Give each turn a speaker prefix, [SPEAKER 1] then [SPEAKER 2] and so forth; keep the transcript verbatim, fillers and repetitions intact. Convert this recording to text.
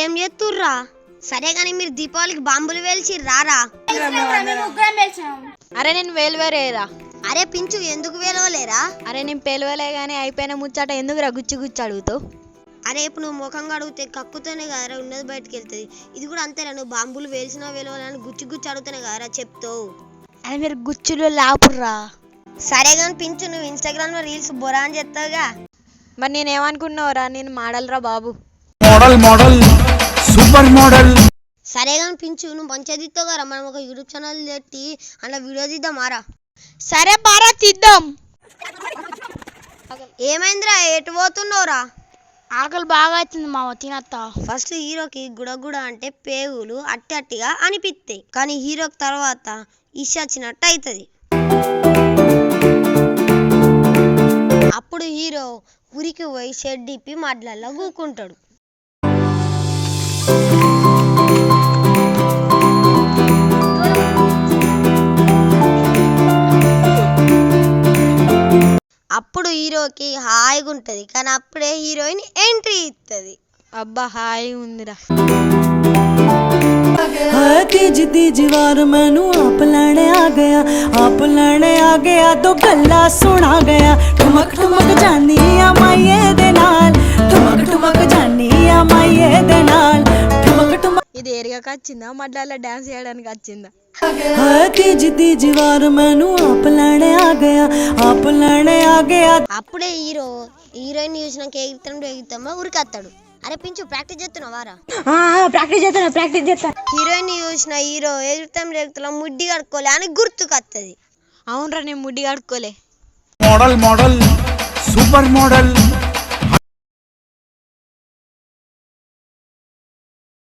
[SPEAKER 1] ఈడేం చేస్తుర్రా? సరే గానీ మీరు దీపావళికి బాంబులు వేల్చి రారా?
[SPEAKER 2] అరే నేను వేలువేరేరా.
[SPEAKER 1] అరే పించు ఎందుకు వేలవలేరా?
[SPEAKER 2] అరే నేను పేలువలే గానీ అయిపోయిన ముచ్చట ఎందుకు రా గుచ్చి గుచ్చి అడుగుతావు?
[SPEAKER 1] అరే ఇప్పుడు నువ్వు ముఖంగా అడిగితే కక్కుతోనే కదరా ఉన్నది బయటకు వెళ్తుంది. ఇది కూడా అంతేరా, నువ్వు బాంబులు వేల్చినా వేలవాలని గుచ్చి గుచ్చి అడుగుతానే కదరా చెప్తావు.
[SPEAKER 2] అరే మీరు గుచ్చులు లాపుర్రా.
[SPEAKER 1] సరే కానీ పించు, నువ్వు ఇన్స్టాగ్రామ్ లో రీల్స్ బొరా అని చెప్తావుగా.
[SPEAKER 2] మరి నేనేమనుకున్నావురా? నేను మోడల్ రా బాబు.
[SPEAKER 3] Model model super model.
[SPEAKER 1] సరే కానీ పించు, నువ్వు మంచిగా తీస్తావు కదా, మనం ఒక యూట్యూబ్ ఛానల్ పెట్టి అలా వీడియో తీద్దాం మారా.
[SPEAKER 2] సరే బారా తీద్దాం.
[SPEAKER 1] ఏమైందిరా, ఎటు పోతున్నావురా?
[SPEAKER 2] ఆకలి బాగా అవుతుంది మామ, తినత్తా.
[SPEAKER 1] ఫస్ట్ హీరోకి గుడగుడ అంటే పేగులు అట్టి అట్టిగా అనిపిస్తాయి, కానీ హీరోకి తర్వాత ఇష వచ్చినట్టు అవుతుంది. అప్పుడు హీరో ఉరికి పోయి షెడ్ ఇప్పి మడ్లల్లో కూకుంటాడు. అప్పుడు హీరోకి హాయిగా ఉంటుంది, కానీ అప్పుడే హీరోయిన్ ఎంట్రీ ఇస్తుంది.
[SPEAKER 2] అబ్బా హాయిగా ఉందిరా.
[SPEAKER 4] तीज तीज वार मैनू आप लैने आ गया, आप लैने आ गया तो गल्ला सुना गया। ठुमक ठुमक जानी आ माइये दे नाल, ठुमक ठुमक जानी आ माइये दे नाल, ठुमक ठुमक.
[SPEAKER 2] ఇది ఏరియాకి వచ్చిందా మడ్లలో డాన్స్ చేయడానికి వచ్చిందా?
[SPEAKER 4] तीज तीज वार मैनू आप लैने आ गया, आप लैने आ गया.
[SPEAKER 1] అప్పుడే హీరో హీరోయిన్ చూసినాక ఎగుతాం ఎగుతామో ఉరికత్తాడు. అరే పించు ప్రాక్టీస్ చేస్తున్నావారా?
[SPEAKER 2] ప్రాక్టీస్ చేస్తాను ప్రాక్టీస్ చేస్తాను.
[SPEAKER 1] హీరోయిన్ చూసిన హీరో ఎగుతాం ఎగుతాం ముడ్డి కడుక్కోలే అని గుర్తుకొత్తది.
[SPEAKER 2] అవునరా నేను ముడ్డి కడుక్కోలే.
[SPEAKER 3] Model model super model.